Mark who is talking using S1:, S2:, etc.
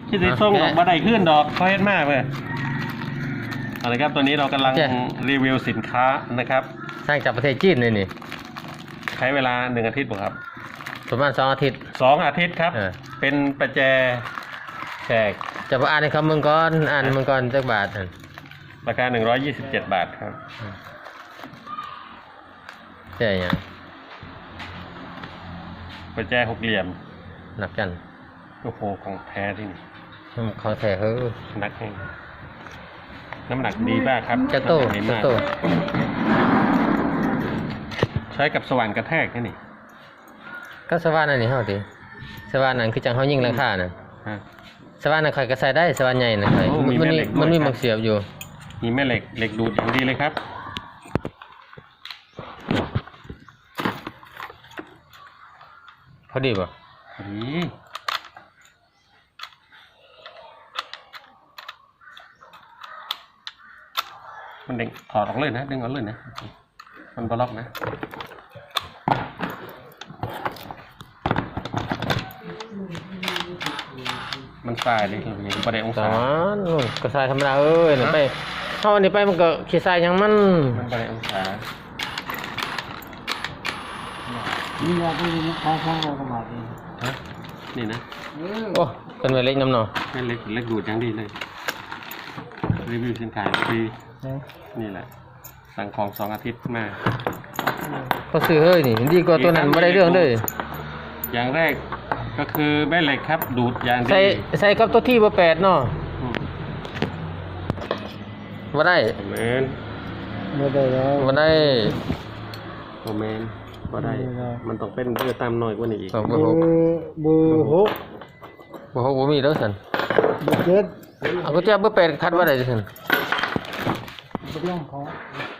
S1: ที่จะส่งออกมาได้ขึ้นดอกเขาเฮ็ดมากเลยเอาละครับตอนนี้เรากำลังรีวิวสินค้านะครับ
S2: สร้างจากประเทศจีนเลยนี่
S1: ใช้เวลา1 อาทิตย์ครับ
S2: ประมาณ2 อาทิตย์
S1: 2 อาทิตย์ครับเป็นประแจแขก
S2: จะมาอ่านในคำมึงก่อนอ่านมึงก่อนจักบาท
S1: ราคา127 บาทครับ
S2: ใช่ยัง
S1: ประแจ6 เหลี่ยม
S2: หนักกัน
S1: โอ้โหของแท้ที่นี่
S2: ของแท้เฮ้ย
S1: หนักแห้งน้ำหนักดีมากครับ
S2: จะโต
S1: ใช้กับสว่านกระแทกนี่
S2: ก็สว่านอันนี้เฮาดิสว่านนั้นคือจังเฮายิงราคาน่ะสว่านนั้นใครก็ใส่ได้สว่านใหญ่น่ะมันมีมักเสียบอยู่
S1: มีแม่เหล็กดูดอย่างดีเลยครับ
S2: พอดีป่ะ
S1: พอดีมันเด้งถอดออกเลยนะดึงออกเลยนะมันบล็อกนะมันสายเลยอย่างประเดี๋ยวองศา
S2: ก็สายธรรมดาไปเท่านี้ไปมันก็ขี้สายยังมัน
S1: ประเดี๋ยวองศา
S3: นี่เราไปดูข้าวเราก็มาดี
S1: นี่นะ
S2: โอ้เป็นเล็กน้ำหน่อ
S1: เล็กดูดอย่างดีเลยรีวิวสินค้าฟรีนี่แหละสั่งของ2 อาทิตย์มา
S2: เขาซื้อเฮ้ยนี่ดีกว่าตัวนั้นไม่ได้เรื่องเลย
S1: อย่างแรกก็คือแม่เหล็กครับดูดอย่างดี
S2: ใส่กับตัวที่เบอร์8เนาะมาได้
S1: แมน
S3: ไม่ได้แล้ว
S2: มาได้
S1: แมนมาได้มันต้องเป็นเบอร์ตามหน่อยกว่านี้อีก
S2: เบอร์6
S3: เบอร์
S2: ผมมีแล้วสัน
S3: เบอร์7
S2: เอาก็จะเบอร์8คัดว่าได้สัน
S3: เรื่องของ